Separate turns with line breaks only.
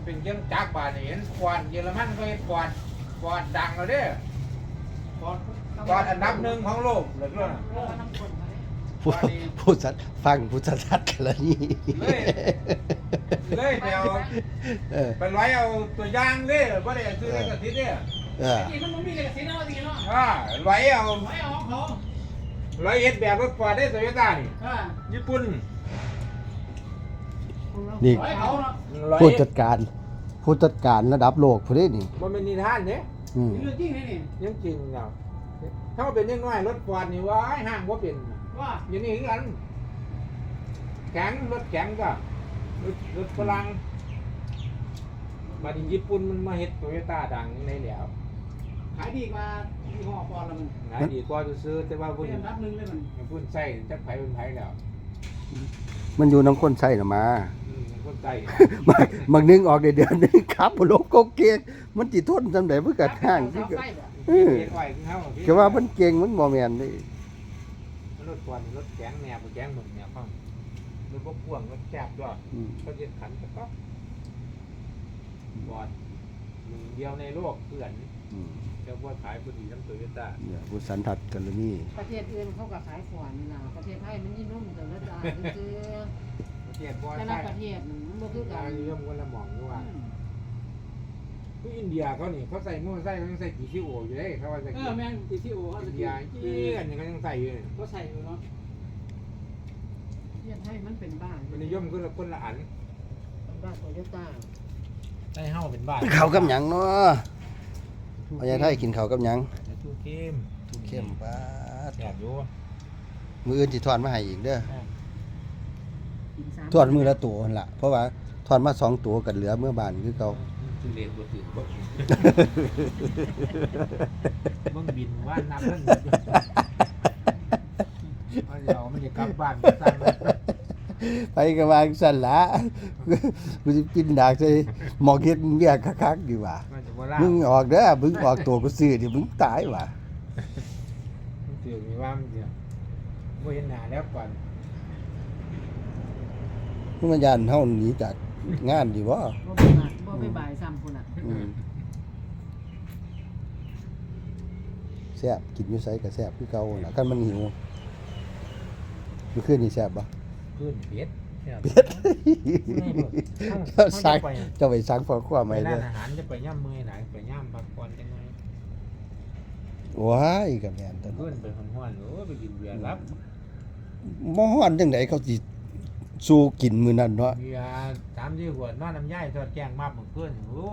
เป็นเครื่องจักรบาดเห็นควานเยอรมันก็เห็นควานดังแล้วเด้อควานอันดับหนึ่งของโลกเลยด้วย
ผู้สัตว์ฟังผู้สัตว์กันแล้วนี่
เลยเดี๋ยว ไปร้อยเอาตัวย่างเด้อบ่ได้ซื้อในกระติดเด้อ
ที่มันมีเลยสิเนาะทีเนาะ
ร้อยเอา
ไม่เอาเขา
ร้อยเอ็ดแบบรถควานได้โตโยต้านี่ญี่ปุ่น
นี่
ไม่เขาเนาะ
ผู้จัดการระดับโลกผู้นี้นี่
มันเป็นนิทานเด้
อืม
เรื่องจริงนี่นี่
ยังจริงเนาะถ้าเป็นยังน้อยรถควานนี่ว่าห้างว่าเป็น
ว่า
อย่างนี้คือกันแข็งรถแข็งก็รถฝรั่งมาที่ญี่ปุ่นมันมาเฮ็ดโตโยต้าดังในแล้ว
ขายดีกว่ายี่ห้อปอนด์ละมัน
ขายดีกว่าซื้อแต่ว่าพุ่น
เป็นรับหนึ่งเลยมัน
พุ่นใส่จักไผเป็นไผแล้ว
มันอยู่น้ำคนใส่น่ะมา
คนใส่
บางนึงออกได้เดือนนึงครับบ่ลบก็เก่งมันสิทนซำใดมันก็ห่างที่ก็
เฮ็ดไว้คือเฮา
ก็ว่ามันเก่งมันบ่แม่นนี่
รถควันรถแข็งแนวแข็งหมึกแนวฟังรถบ่พ่วงรถแคบด้วย
อืม
เขาเฮ็ดขันก็บอดมึงเดียวในโลกเพื่อน
อืม
เจ้าพ่อขายพอดีทั้งโตโยต้า
เนี่ยผู้สันทัดกันแล้วนี่
ประเทศอื่นเขาก็ขายขวานนี่นะประเทศไทยมันยิ่งนุ่มแต่ละจานคือ
ประเทศบ่
แต่ละ
ใช่
ประเทศมันบ่คือกั
กาน รนิยมคนละหม่องด้วยว่าคืออินเดียเขานี่เขาใส่มอเตอร์ไซค์เขายังใส่กี่ซิโออยู่เลยเขาว่าจะ
แม่งที่ที่โอ้เขา
อิ
จะ
นเดียอันนี้เขายังใส่อยู่เลย
เขาใส่อยู่เนาะ
ประเทศไทยมันเป็นบ้าน
มันนิยมคนละอัน
บ้านโตโยต้า
ใส่เฮาเป็นบ้าน
ข้าวกับหยังเนาะเอาอย่างไทยกินข้าวกับหยัง
ทูเข้ม
เข้มปาด
แซ่บอยู่
มื้ออื่นสิทอดมาให้อีกเด้อ
กินสาม
ทอดมื้อละตัวหั่นล่ะเพราะว่าทอดมา2ตัวกันเหลือเมื่อบ้านคือเก่า
ทุเรียนบ่ถือบ่มึงบินว่าน้ำมันเอามันจะกลับบ้านสั่งเลย
ไปก็วางสั่นละ กูสิกินดากใส่หมอกเฮ็ดเวียกคักๆดีกว่า
มันจะบ่ล่า
มึงออกเด้อมึงออกตัวกูซื้อดิมึงตายว่ะ
มันถือมีว่ามันเดียวบ่เห็นหน้าแล้วก่อน
มึงมาย่านเฮาหนีจากงานดีบ่
บ่ไปบ้านบ่ไปบ่ายซ้ำพุ่นน่ะ
อืมแซ่บกินอยู่ไสก็แซ่บคือเก่าน่ะคันมันหิวมื้อคืนนี่แซ่บบ่
ขึ้นเบ็ด
เบ็ด เจ้าสั่งเจ้าไปสั่งฟอครัว
ไป
ใหม่
ร้า
เด้
น
อ
อาหารจะไปย่ำมื้อไหนไปย่ำพักผ่อนจังไง
ว้ายก็แม่นตะ
ขึ้นไปฮ้อนๆโอ้ไปกินเบียร์รับ
บ่ฮ้อนจังไดเขาสิสู้กินมื้อนั้นเนาะ
เบียร์3-4ขวดนอนน้ำย่ายทอดแกงมาบมื้อคืนโอ้